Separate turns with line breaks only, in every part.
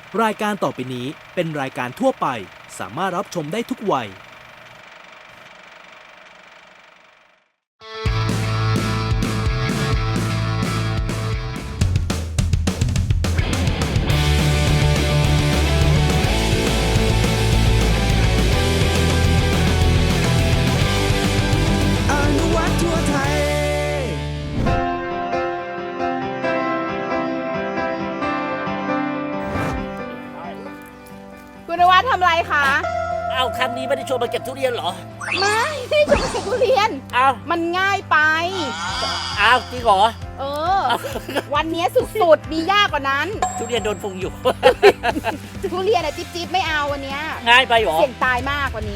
รายการต่อไปนี้เป็นรายการทั่วไปสามารถรับชมได้ทุกวัย
คุณนวัดทำอะไรคะ
เอาครั้งนี้ไม่ได้ชวนมาเก็บทุเรียนเหรอ
ไม่ได้จะมาเก็บทุเรียน
เอา
มันง่ายไป
เอาจริงเหรอ
เออ วันนี้สุดๆ มียากกว่านั้น
ทุเรียนโดนพุงอยู่
ทุเรียนอะจิ๊บๆไม่เอาวันนี้
ง่ายไปเหรอ
เสี่ยงตายมากวันนี้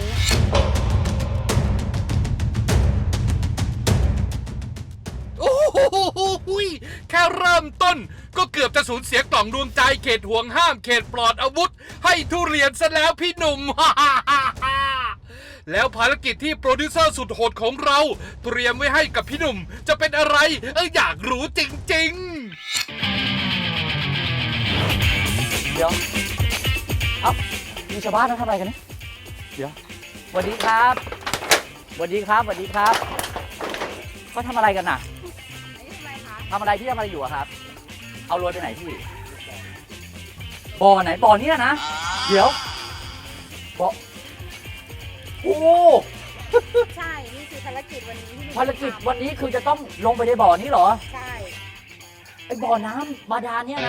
โอ้โหแค่เริ่มต้นก็เกือบจะสูญเสียกล่องดวงใจเขตห่วงห้ามเขตปลอดอาวุธ ให้ทุเรียนซะแล้วพี่หนุ่ม แล้วภารกิจที่โปรดิวเซอร์สุดโหดของเรา เตรียมไว้ให้กับพี่หนุ่มจะเป็นอะไรอยากรู้จริงๆ
เดี๋ยว เอ้ามีชาวบ้านเขาทำอะไรกันเนี่ยเดี๋ยวสวัสดีครับสวัสดีครับสวัสดีครับเขาทำอะไรกันน่ะทำอะไรพี่ทำอะไรอยู่อะครับ เอาโรยไปไหนพี่ บ่อไหน บ่อนี้นะ เดี๋ยว บ่อ โอ้
ใช่ นี่คือภารกิจวันนี้ที่
ภารกิจวันนี้คือจะต้องลงไปในบ่อนี้เหรอ
ใช่
ไอ้บ่อน้ำบาดาลเนี่ยนะ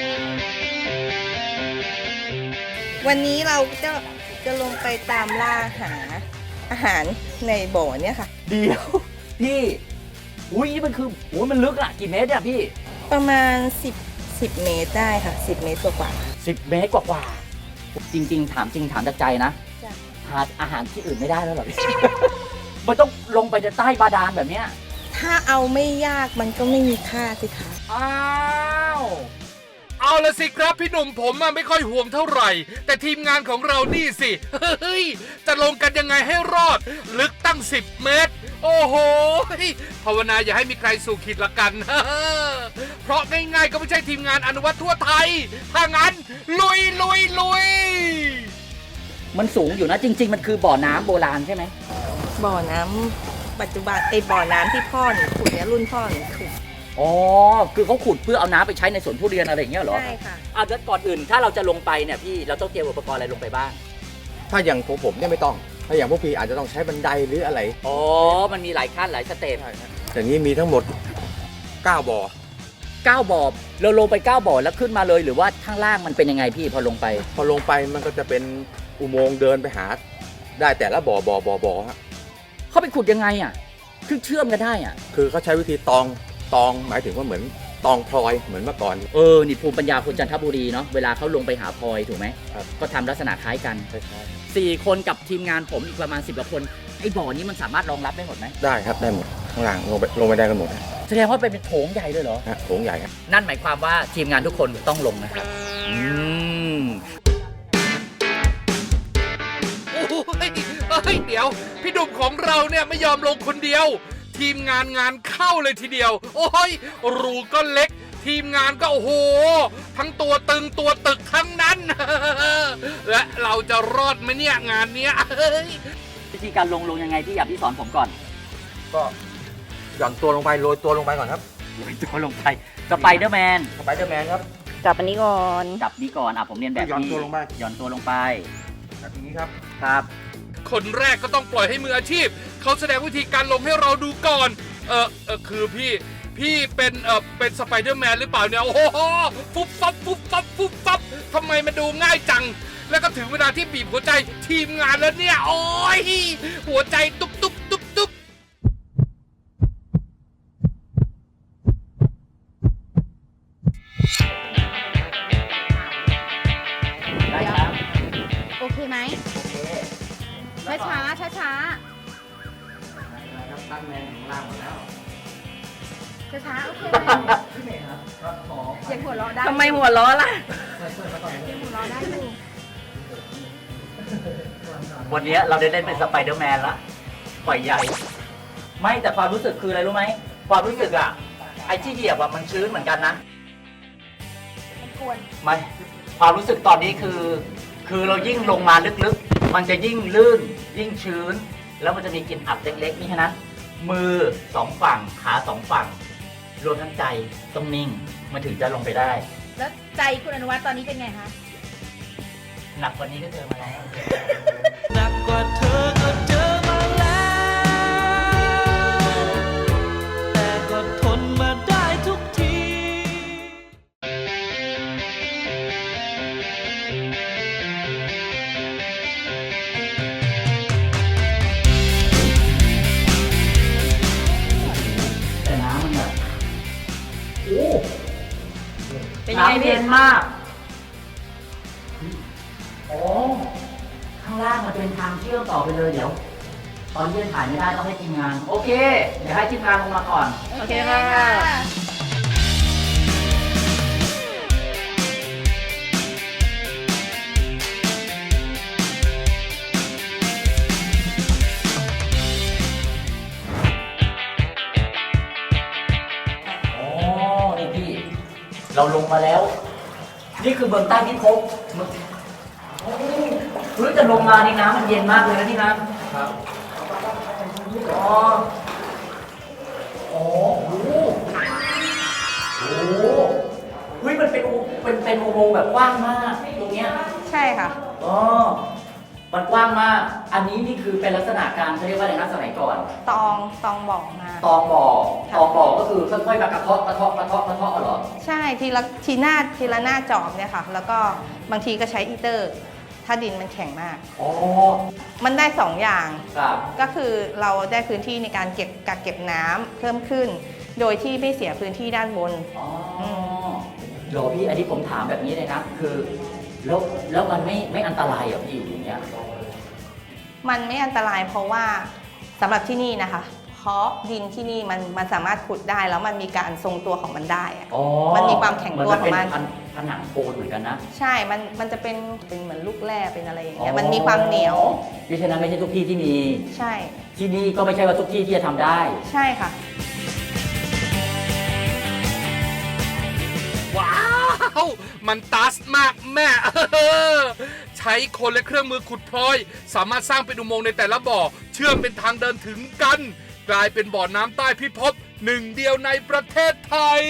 วันนี้เราจะลงไปตามล่าหาอาหารในบ่อเนี่ยค่ะ
เดี๋ยวพี่ อุ้ยนี่มันคือโอ้ยมันลึกอะกี่เมตรเนี่ยพี่
ประมาณ10 เมตรได้ค่ะ 10 เมตรกว่า
10 เมตรกว่าๆจริง ๆ ถามจากใจนะ
จ้ะ
หาอาหารที่อื่นไม่ได้แล้วเหรอพี่ มันต้องลงไปในใต้บาดาลแบบเนี้ย
ๆถ้าเอาไม่ยากมันก็ไม่มีค่าสิคะ
อ้าว
เอาละสิครับพี่หนุ่มผมไม่ค่อยห่วงเท่าไหร่ แต่ทีมงานของเรานี่สิเฮ้ยจะลงกันยังไงให้รอด ลึกตั้ง10 เมตร โอ้โหภาวนาอย่าให้มีใครสู่ขีดละกัน เพราะง่ายๆก็ไม่ใช่ทีมงานอนุวัตทั่วไทย ถ้างั้นลุย
มันสูงอยู่นะจริง ๆ มันคือบ่อน้ำโบราณใช่ไหม
บ่อน้ำปัจจุบันบ่อน้ำที่พ่อหนูขุดเนี่ยรุ่นพ่อหนูขุด
อ๋อ คือเขาขุดเพื่อเอาน้ำไปใช้ในสวนทุเรียนอะไรอย่างเงี้ยเหรอ
ใช่ค่ะ
เอาแล้วก่อนอื่นถ้าเราจะลงไปเนี่ยพี่เราต้องเตรียมอุปกรณ์อะไรลงไปบ้าง
ถ้าอย่างของผมเนี่ยไม่ต้อง ถ้าอย่างพวกพี่อาจจะต้องใช้บันไดหรืออะไร
อ๋อ มันมีหลายขั้นหลายสเต็ป
อย่างนี้มีทั้งหมด 9 บ่อ
9 บ่อเราลงไป 9 บ่อแล้วขึ้นมาเลยหรือว่าข้างล่างมันเป็นยังไงพี่พอลงไป
พอลงไปมันก็จะเป็นอุโมงค์เดินไปหา ได้แต่ละบ่อฮะ
เขาไปขุดยังไงอ่ะคือเชื่อมกันได้อ่ะ
คือเขาใช้วิธีตองหมายถึงว่าเหมือนตองพลอยเหมือนเมื่อก่อน
นี่ภูมิปัญญาคนจันทบุรีเนาะเวลาเขาลงไปหาพลอยถูกไหม
ครับ
ก็ทำลักษณะคล้ายกัน
คล้าย
4 คนกับทีมงานผมอีกประมาณ10 กว่าคนไอ้บ่อนี้มันสามารถรองรับได้หมดไหม
ๆได้ครับได้หมดข้างล่างลงไปได้กันหมดฮะ
แสดงว่าเป็นโถงใหญ่เลยเหรอ
โถงใหญ่ครับ
นั่นหมายความว่าทีมงานทุกคนต้องลงนะครับ
โอ้ยเดี๋ยว พี่หนุ่มของเราเนี่ยไม่ยอมลงคนเดียว ทีมงานเข้าเลยทีเดียว โอ้ยรูก็เล็ก ทีมงานก็โอ้โห ทั้งตัวตึงตัวตึกทั้งนั้น และเราจะรอดไหมเนี่ยงานเนี้ย
วิธีการลงยังไงพี่อยากพี่สอนผมก่อน
ก็หย่อนตัวลงไปโรยตัวลงไปก่อนครับ
โรยตัวลงไปสไปเดอร์แมน
สไปเดอร์แมนครับ
จับอันนี้ก่อน
จับนี้ก่อนผมเรียนแบบ
หย่อน
พี่
ตัวลงไป
หย่อนตัวลงไป
แบบนี้ครับ
ครับ
คนแรกก็ต้องปล่อยให้มืออาชีพ เขาแสดงวิธีการลงให้เราดูก่อน คือพี่เป็นสไปเดอร์แมนหรือเปล่าเนี่ย โอ้โหฟุบฟับทำไมมันดูง่ายจัง แล้วก็ถึงเวลาที่บีบหัวใจทีมงานแล้วเนี่ย โอ้ยหัวใจตุ๊บ
ได้ครับ
โอเคไหม
โอเค
ช้าช้า
ตั้งแรงของล่างหมดแล้ว
ช้าโอเคไหมเสียงหัวเราะได้
ทำไมหัวล้อล่ะ
เสียงหัวเราะได้อยู่
วันนี้เราได้เล่นเป็นสไปเดอร์แมนละปล่อยใหญ่ ไม่แต่ความรู้สึกคืออะไรรู้ไหมความรู้สึกไอ้ที่เหยียบมันชื้นเหมือนกันนะ
มันกวน
ไม่ความรู้สึกตอนนี้คือเรายิ่งลงมาลึกๆ มันจะยิ่งลื่น ยิ่งชื้น แล้วมันจะมีกลิ่นอับเล็กๆนี่ฉะนั้น มือสองฝั่งขาสองฝั่ง รวมทั้งใจต้องนิ่งมันถึงจะลงไปได้
แล้วใจคุณอนุวัฒน์ตอนนี้เป็นไงคะ
หนักกว่านี้ก็เจอมาแล้ว
หนักกว่าเธอก็เจอมาแล้ว แต่ก็ทนมาได้ทุกที
แต่น้ำมันแบบโอ้
เป็นยังไง
น้ำ
พี่
เย็นมากโอ้ข้างล่างมันเป็นทางเชื่อมต่อไปเลยเดี๋ยว ตอนเย็นถ่ายไม่ได้ต้องให้ทีมงาน โอเค เดี๋ยวให้ทีมงานลงมาก่อน
โอเคค่ะ
โอ้นี่พี่ เราลงมาแล้ว นี่คือเบื้องใต้พิภพโอ้รู้จะลงมานี่น้ำมันเย็นมากเลยนะพี่นะครับอ๋อโอ้โหโอ้โหเฮ้ยมันเป็นอุโมงค์แบบกว้างมากตรงเนี้ย
ใช่ค่ะ
อ๋อมันกว้างมาก อันนี้นี่คือเป็นลักษณะการเขาเรียกว่าอะไรนะสมัยก่อน
ตองบอกมา
ตองบ่อก็คือค่อยๆมากระเทาะเหรอ
ใช่ทีละหน้าจอบเนี่ยค่ะ แล้วก็บางทีก็ใช้อีเตอร์ ถ้าดินมันแข็งมาก
อ๋อ
มันได้สองอย่าง
ครับ
ก็คือเราได้พื้นที่ในการกักเก็บน้ำเพิ่มขึ้น โดยที่ไม่เสียพื้นที่ด้านบน
อ๋อเดี๋ยวพี่อันนี้ผมถามแบบนี้เลยนะ คือแล้วมันไม่อันตรายเหรอพี่อยู่อย่างเงี้ย
มันไม่อันตรายเพราะว่าสำหรับที่นี่นะคะ เพราะดินที่นี่มันสามารถขุดได้แล้วมันมีการทรงตัวของมันได้อะ
อ๋อ
มันมีความแข็งตัวของมัน
เป็นผนังปูนเหมือนกันนะ
ใช่ มันจะเป็นเหมือนลูกแร่เป็นอะไรอย่างเงี้ย มันมีความเหนียว
เพราะฉะนั้นไม่ใช่ทุกที่ที่มี
ใช่
ที่นี่ก็ไม่ใช่ว่าทุกที่ที่จะทำได้
ใช่ค่ะ
ว้าว มันตัสมากแม่ ใช้คนและเครื่องมือขุดพลอย สามารถสร้างเป็นอุโมงค์ในแต่ละบ่อ เชื่อมเป็นทางเดินถึงกัน กลายเป็นบ่อน้ำใต้พิภพหนึ่งเดียวในประเทศไทย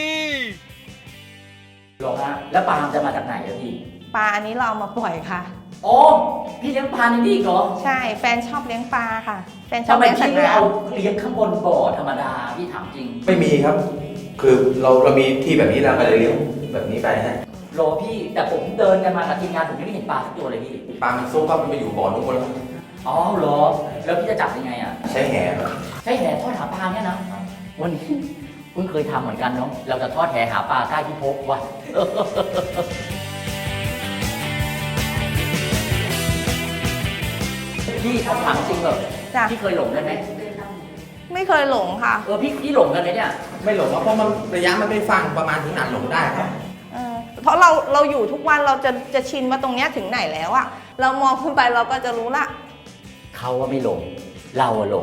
หรอฮะ แล้วปลาจะมาจากไหนอะพี่
ปลาอันนี้เราเอามาปล่อยค่ะ
โอ้พี่เลี้ยงปลาในนี่อีกเหรอ
ใช่ แฟนชอบเลี้ยงปลาค่ะ แฟนชอบ
ทำไม
เลี้ยงสัต
พี่
ว์
ไม่
น้
เอาเลี้ยงข้างบนบ่อธรรมดา พี่ถามจริง
ไม่มีครับ คือเรามีที่แบบนี้เราก็เลยเลี้ยงแบบนี้ไปฮะ
รอพี่ แต่ผมเดินกันมากับทีมงานผมยังไม่เห็นปลาสักตัวเลยพี่
ปลามันซุกครับมันไปอยู่บ่อนู้นหมดแล้ว
อ๋อเหรอ แล้วพี่จะจับยังไงอ่ะ
ใช้แหครับ
ใช้แหทอดหาปลาเนี่ยนะ วันนี้เพิ่งเคยทำเหมือนกันเนาะ เราจะทอดแหหาปลาใต้พิภพว่ะ พี่คำถามจริงแบบ
ำจ้ะ
พี่เคยหลงกันไหม
ไม่เคยหลงค่ะ
พี่หลงกันไหมเนี่ย
ไม่หลงครับเพราะมันระยะมันไม่ฟังประมาณถึงหนักหลงได้ครับ
เพราะเราอยู่ทุกวันเราจะชินว่าตรงเนี้ยถึงไหนแล้วอะเรามองขึ้นไปเราก็จะรู้ละ
เขาว่าไม่หลง เราอะหลง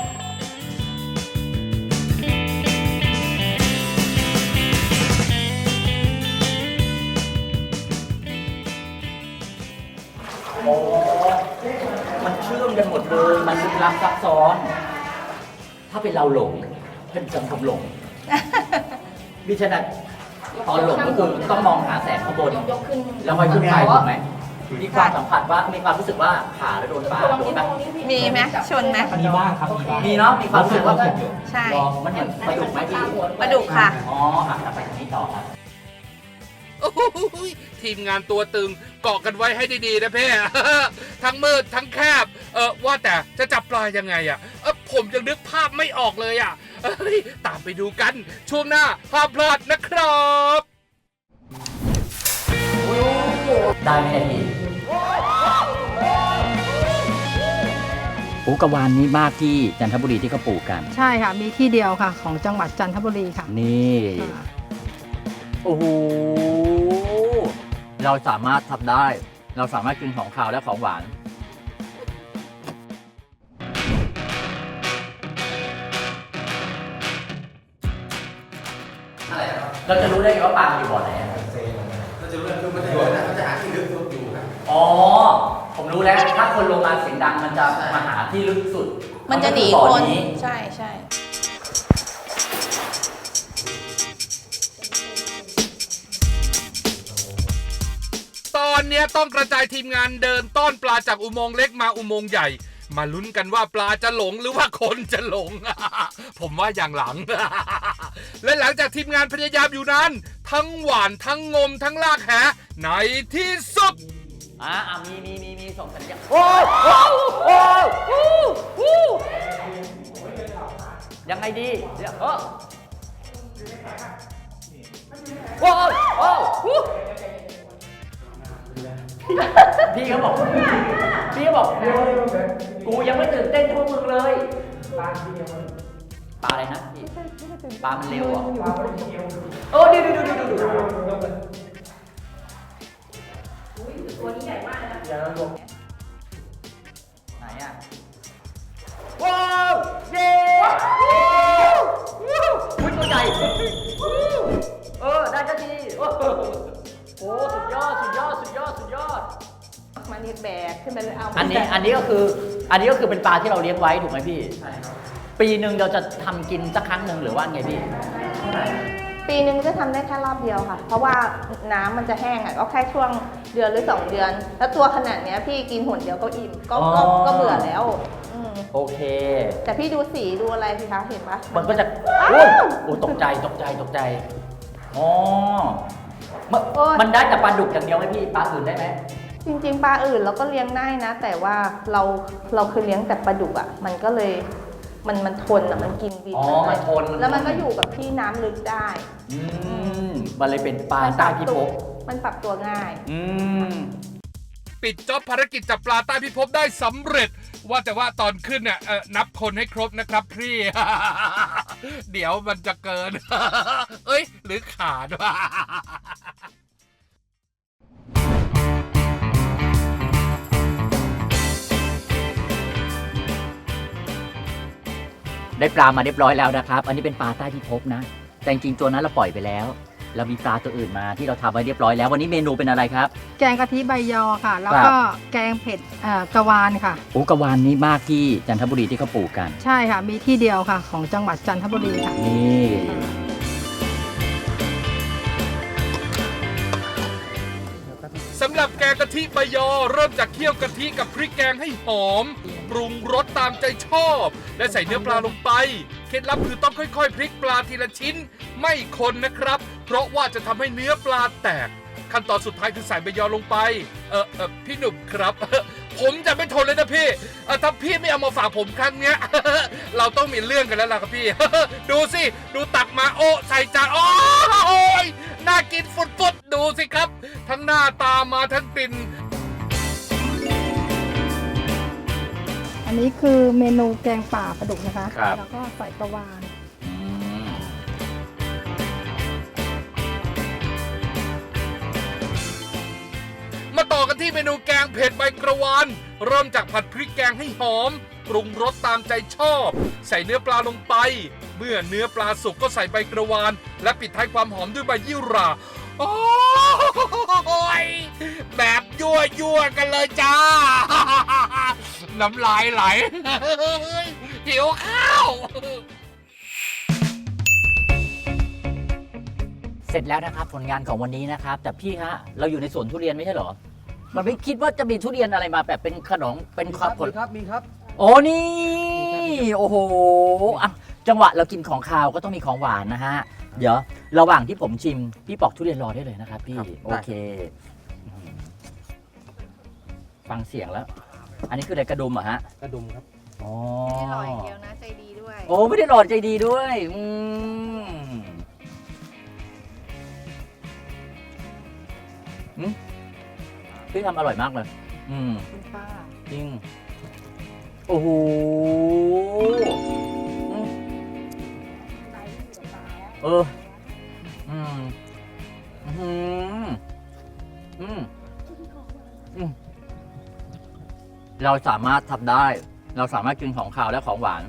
โอ้ มันเชื่อมกันหมดเลย มันลึกลับซับซ้อน ถ้าเป็นเราหลงเป็นจำทำหลง มิฉะนั้นตอนหลงก็คือต้องมองหาแสงข้างบน แล้วค่อยขึ้นไปถูกไหมมีความสัมผัสว่า มีความรู้สึกว่าขาแล้วโดนปลาโดนไหม
มีไหมชนไหม
มีบ้างครับ มีบ้าง
มีเนาะ มีความรู้สึกว่า
ใช่
ลองมันเหมือนปลาดุกไหมพี่
ปลาดุกค่ะ
อ๋อไปทางนี้ต่อครับ
โอ้โหทีมงานตัวตึงเกาะกันไว้ให้ดีๆนะเพ่ ทั้งมืดทั้งแคบ ว่าแต่จะจับปลายังไงอ่ะผมยังนึกภาพไม่ออกเลยอ่ะตามไปดูกันช่วงหน้าห้ามพลาดนะครับ
ได้ไหมเนี่ยพี่ปูกระวานนี้มากที่จันทบุรีที่เขาปลูกกัน
ใช่ค่ะ มีที่เดียวค่ะ ของจังหวัดจันทบุรีค่ะ
นี่ โอ้โห เราสามารถทำได้ เราสามารถกินของคาวและของหวาน เราจะรู้ได้ไงว่าปลาอยู่บ่อไหนอะ
เราจะรู้ว่าคือมันจะอยู่นะเขาจะหา
คนลงมาเสียงดังมันจะมาหาที่ลึกสุด
มันจะหนี
บ่อ
คน
นี้
ใช่ใช่
ตอนเนี้ยต้องกระจายทีมงานเดินต้อนปลาจากอุโมงค์เล็กมาอุโมงค์ใหญ่ มาลุ้นกันว่าปลาจะหลงหรือว่าคนจะหลง ผมว่าอย่างหลัง และหลังจากทีมงานพยายามอยู่นั้น ทั้งหวานทั้งงมทั้งลากแหในที่สุด
มีส่งสัญญาณโอ้ยยังไงดีเดี๋ยวพี่เขาบอกกูยังไม่ตื่นเต้นเท่ามึงเลยปลาอะไรนะพี่ปลามันเร็วอ่ะโอ้ดูตัวนี้ใหญ่มากนะไหนอ่ะว้าวเย้อุ้ยตัวใหญ่ได้สักทีโอ้สุดยอด
มันนี่แบกขึ้นไปเลยเอา
อันนี้ก็คือเป็นปลาที่เราเลี้ยงไว้ถูกไหมพี่ใช่ครับปีหนึ่งเราจะทำกินสักครั้งหนึ่งหรือว่าไงพี่
ปีนึงจะทำได้แค่รอบเดียวค่ะ เพราะว่าน้ำมันจะแห้งอ่ะก็แค่ช่วงเดือนหรือ2 เดือน แล้วตัวขนาดเนี้ยพี่กินหนเดียวก็อิ่มก็เบื่อแล้ว
โอเค
แต่พี่ดูสีดูอะไรสิคะเห็นปะ
มันก็จะโอ้ตกใจอ๋อมันได้แต่ปลาดุกอย่างเดียวไหมพี่ปลาอื่นได้ไหม
จริงๆปลาอื่นเราก็เลี้ยงได้นะ แต่ว่าเราเคยเลี้ยงแต่ปลาดุกอ่ะมันก็เลยมันทนอ่ะมันกินดิน
มันทน
แล้วมันก็อยู่กับที่น้ำลึกได้
มันเลยเป็นปลาใต้พิภพ
มันปรับตัวง่าย
ปิดจ็อบภารกิจจับปลาใต้พิภพได้สำเร็จว่าแต่ว่าตอนขึ้นเนี่ยนับคนให้ครบนะครับพี่ เดี๋ยวมันจะเกิน เอ้ยหรือขาดวะ
ได้ปลามาเรียบร้อยแล้วนะครับอันนี้เป็นปลาใต้พิภพนะแต่จริงๆตัวนั้นเราปล่อยไปแล้วเรามีปลาตัวอื่นมาที่เราทำไว้เรียบร้อยแล้ววันนี้เมนูเป็นอะไรครับ
แกงกะทิใบยอค่ะแล้วก็แกงเผ็ดกะวานค่ะ
โอ้กะวานนี่มากที่จันทบุรีที่เขาปลูกกัน
ใช่ค่ะมีที่เดียวค่ะของจังหวัดจันทบุรีค่ะ
นี่สำหรับแกงกะทิใบยอเริ่มจากเคี่ยวกะทิกับพริกแกงให้หอมปรุงรสตามใจชอบและใส่เนื้อปลาลงไปเคล็ดลับคือต้องค่อยๆพลิกปลาทีละชิ้นไม่คนนะครับเพราะว่าจะทำให้เนื้อปลาแตกขั้นตอนสุดท้ายคือใส่ใบยอลงไปพี่หนุ่มครับ ผมจะไม่ทนเลยนะพี่ถ้าพี่ไม่เอามาฝากผมครั้งเนี้ย เราต้องมีเรื่องกันแล้วล่ะครับพี่ ดูสิดูตักมาโอ้ใส่จานโอ้ยน่ากินฟุดๆดูสิครับทั้งหน้าตามาทั้งกลิ่น
อันนี้คือเมนูแกงป่าปลาดุกนะคะ
ครับ
แล้วก็ใส่กะวาน
มาต่อกันที่เมนูแกงเผ็ดใบกระวานเริ่มจากผัดพริกแกงให้หอมปรุงรสตามใจชอบใส่เนื้อปลาลงไปเมื่อเนื้อปลาสุกก็ใส่ใบกระวานและปิดท้ายความหอมด้วยใบยี่หร่าโอ้ยแบบยั่วกันเลยจ้า น้ำลายไหล หิวข้าว
เสร็จแล้วนะครับผลงานของวันนี้นะครับแต่พี่ฮะเราอยู่ในสวนทุเรียนไม่ใช่เหรอมันไม่คิดว่าจะมีทุเรียนอะไรมาแบบเป็นขนมเป็นผล
มีครับ
โอ้นี่โอ้โหอ่ะจังหวะเรากินของคาวก็ต้องมีของหวานนะฮะเดี๋ยวระหว่างที่ผมชิมพี่ปอกทุเรียนรอได้เลยนะครับพี่โอเคฟังเสียงแล้วอันนี้คืออะไรกระดุมเหรอฮะ
กระดุมครับ
อ๋อ
ไม่ได้หล่ออย่างเดียวนะใจดีด้วย
โอ้ไม่ได้หล่อใจดีด้วยพี่ทำอร่อยมากเลย
คุณป้า
จริงโอ้โหเราสามารถทำได้เราสามารถกินของคาวและของหวาน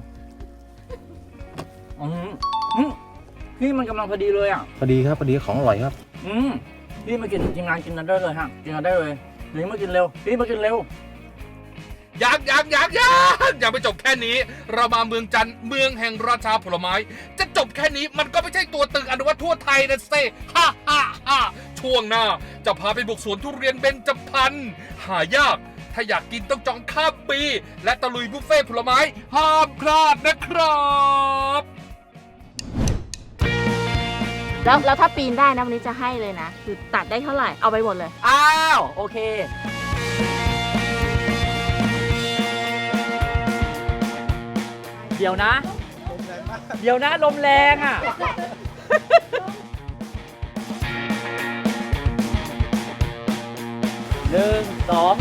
พี่มันกำลังพอดีเลยอ่ะ
พอดีครับพอดีของอร่อยครับ
พี่มากินทีมงานกินกันได้เลยฮะกินกันได้เลยนี่มากินเร็วพี่มากินเร็ว
ยังไม่จบแค่นี้ เรามาเมืองจันทร์เมืองแห่งราชาผลไม้ จะจบแค่นี้มันก็ไม่ใช่ตัวตึงอนุวัตทั่วไทยนะเซ่ฮ่าช่วงหน้าจะพาไปบุกสวนทุเรียนเบญจพรรณหายาก ถ้าอยากกินต้องจองข้ามปี และตะลุยบุฟเฟ่ต์ผลไม้ห้ามพลาดนะครับ
แล้วถ้าปีนได้นะวันนี้จะให้เลยนะ คือตัดได้เท่าไหร่เอาไปหมดเลย
อ้าวโอเค เดี๋ยวนะลมแรงอ่ะ 1 2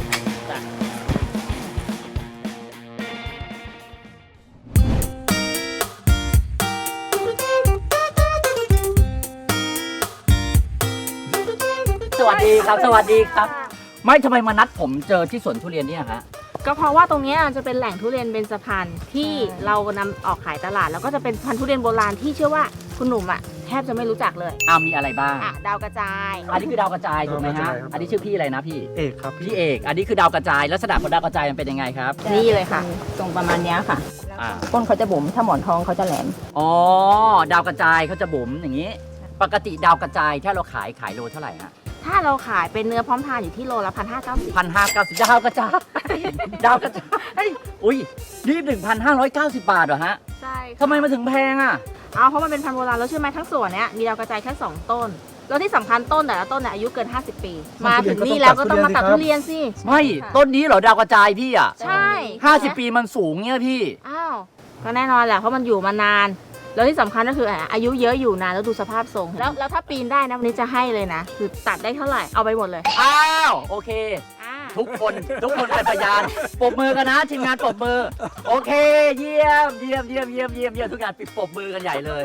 สวัสดีครับ สวัสดีครับ ไม่ทำไมมานัดผมเจอที่สวนทุเรียนเนี่ยฮะ
ก็เพราะว่าตรงเนี้ยจะเป็นแหล่งทุเรียนเบญจพรรณที่เรานำออกขายตลาด แล้วก็จะเป็นพันธุ์ทุเรียนโบราณที่เชื่อว่าคุณหนุ่มอ่ะแทบจะไม่รู้จักเลย
มีอะไรบ้าง
ดาวกระจาย
อันนี้คือดาวกระจายถูกไหมฮะ อันนี้ชื่อพี่อะไรนะพี่
เอกครับ
พี่เอก อันนี้คือดาวกระจาย ลักษณะของดาวกระจายมันเป็นยังไงครับ
นี่เลยค่ะ ตรงประมาณเนี้ยค่ะ
อ่า
ก้นเขาจะบุ๋มถ้าหมอนทองเขาจะแหลม
อ๋อ ดาวกระจายเขาจะบุ๋มอย่างนี้ ปกติดาวกระจายถ้าเราขายโลเท่าไหร่ฮะ
ถ้าเราขายเป็นเนื้อพร้อมทานอยู่ที่โลละ1,590
1,590ดาวกระจาย ดาวกระจายอุ้ยนี่1,590 บาทเหรอฮะ
ใช่ค่ะ
ทำไมมาถึงแพงอ่ะ
เพราะมันเป็นพันธุ์โบราณแล้วเชื่อไหมทั้งสวนเนี้ยมีดาวกระจายแค่2ต้น แล้วที่สำคัญต้นแต่ละต้นเนี่ยอายุเกิน50 ปี มาถึงนี่แล้วก็ต้องมาตัดทุเรียนสิ
ไม่ต้นนี้เหรอดาวกระจายพี่อ่ะ
ใช่
50 ปีมันสูงเนี่ยพี่
อ้าวก็แน่นอนแหละเพราะมันอยู่มานาน แล้วที่สำคัญก็คืออายุเยอะอยู่นานแล้วดูสภาพทรงแล้วถ้าปีนได้นะวันนี้จะให้เลยนะ คือตัดได้เท่าไหร่เอาไปหมดเลย
อ้าวโอเค
อ่า
ทุกคนเป็นพยานปรบมือกันนะทีมงานปรบมือ โอเค เยี่ยมทุกงานปิดปรบมือกันใหญ่เลย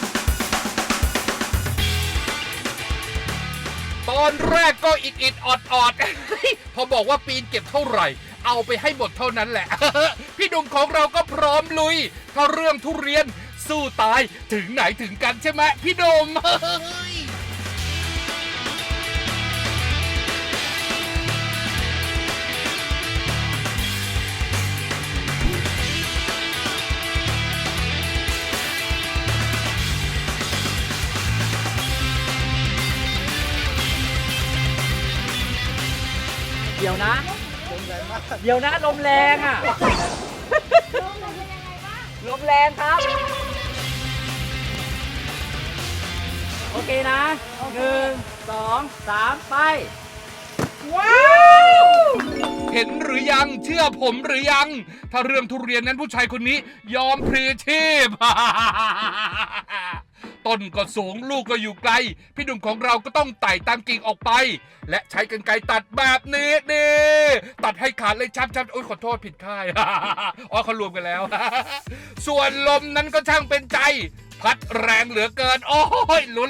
ตอนแรกก็อิดออดพอบอกว่าปีนเก็บเท่าไหร่ เอาไปให้หมดเท่านั้นแหละ พี่หนุ่มของเราก็พร้อมลุย ถ้าเรื่องทุเรียนสู้ตายถึงไหนถึงกันใช่ไหมพี่หนุ่ม
เดี๋ยวนะลมแรงอ่ะ ลมแรงครับ โอเคนะ1 2 3 ไป
เห็นหรือยังเชื่อผมหรือยัง ถ้าเรื่องทุเรียนนั้นผู้ชายคนนี้ยอมพลีชีพ ต้นก็สูงลูกก็อยู่ไกล พี่หนุ่มของเราก็ต้องไต่ตามกิ่งออกไป และใช้กรรไกรตัดแบบนี้ตัดให้ขาดเลยชับโอ๊ยขอโทษผิดค่าย อ๋อเขารวมกันแล้ว ส่วนลมนั้นก็ช่างเป็นใจ พัดแรงเหลือเกิน โอ้ยล้น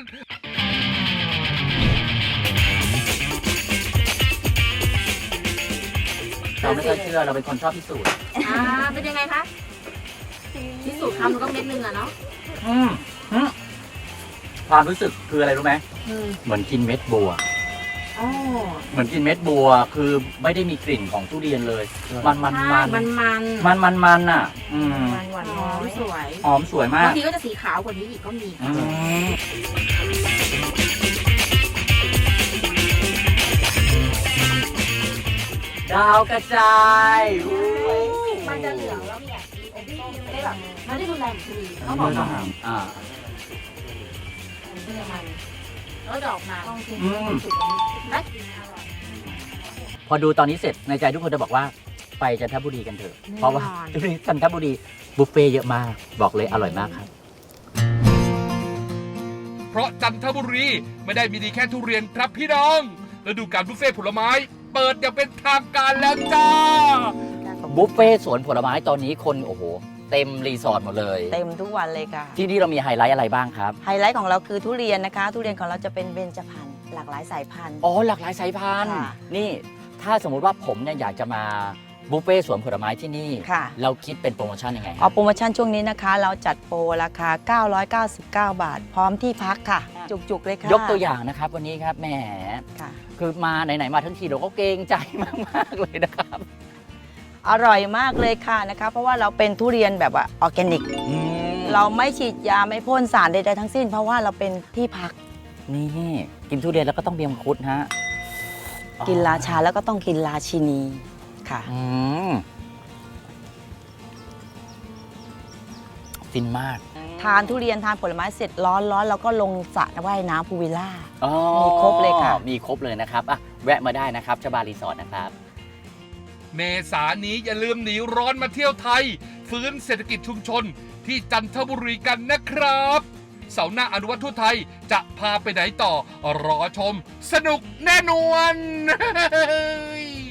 เราไม่เคยเชื่อเราเป็นคนชอบพิสูจน์
เป็นยังไงคะที่สุดคำมันก็เม็ดนึงอะเนาะ
ความรู้สึกคืออะไรรู้ไหมเหมือนกินเม็ดบัว เหมือนกินเม็ดบัวคือไม่ได้มีกลิ่นของทุเรียนเลย มันอ่ะ
หวานหอมสวย
หอมสวยมาก
บางทีก็จะสีขาวกว่านี้อีกก็มี
ดาวกระจาย
มันจะเหลืองแล้วมีอมส้มไม่ได้แบบไม่ได้รุนแรงทีเขาบอกว่าแล้วดอกมาต้องกินสุกนะ
พอดูตอนนี้เสร็จในใจทุกคนจะบอกว่าไปจันทบุรีกันเถอะ เพราะว่าจันทบุรีบุฟเฟ่เยอะมากบอกเลยอร่อยมากครับ
เพราะจันทบุรีไม่ได้มีดีแค่ทุเรียนครับพี่น้องฤดูกาลบุฟเฟ่ต์ผลไม้ เปิดอย่างเป็นทางการแล้วจ้า
บุฟเฟ่สวนผลไม้ตอนนี้คนโอ้โหเต็มรีสอร์ทหมดเลย
เต็มทุกวันเลยค่ะ
ที่นี่เรามีไฮไลท์อะไรบ้างครับ
ไฮไลท์ของเราคือทุเรียนนะคะ ทุเรียนของเราจะเป็นเบญจพรรณหลากหลายสายพันธุ์
อ๋อหลากหลายสายพันธุ์
ค่ะ
นี่ถ้าสมมุติว่าผมเนี่ยอยากจะมาบุฟเฟ่สวนผลไม้ที่นี่
ค่ะ
เราคิดเป็นโปรโมชั่นยังไง
โปรโมชั่นช่วงนี้นะคะ เราจัดโปรราคา 999 บาท พร้อมที่พักค่ะ จุกๆเลยค่ะ
ยกตัวอย่างนะครับวันนี้ครับแหม
ค่ะ
คือมาไหนๆมาทั้งทีเราก็เกรงใจมากๆเลยนะครับ
อร่อยมากเลยค่ะนะคะ เพราะว่าเราเป็นทุเรียนแบบว่าออร์แกนิก เราไม่ฉีดยาไม่พ่นสารใดๆทั้งสิ้น เพราะว่าเราเป็นที่พัก
นี่กินทุเรียนแล้วก็ต้องมีมังคุดฮะ
กินราชาแล้วก็ต้องกินราชินีค่ะ
อืมฟินมาก
ทานทุเรียนทานผลไม้เสร็จร้อนแล้วก็ลงสระว่ายน้ำพูลวิลล่า
อ๋อ
มีครบเลยค่ะ
มีครบเลยนะครับอ่ะแวะมาได้นะครับชบารีสอร์ทนะครับ
เมษายนนี้อย่าลืมหนีร้อนมาเที่ยวไทย ฟื้นเศรษฐกิจชุมชนที่จันทบุรีกันนะครับ เสาร์หน้าอนุวัตทั่วไทยจะพาไปไหนต่อ รอชม สนุกแน่นอน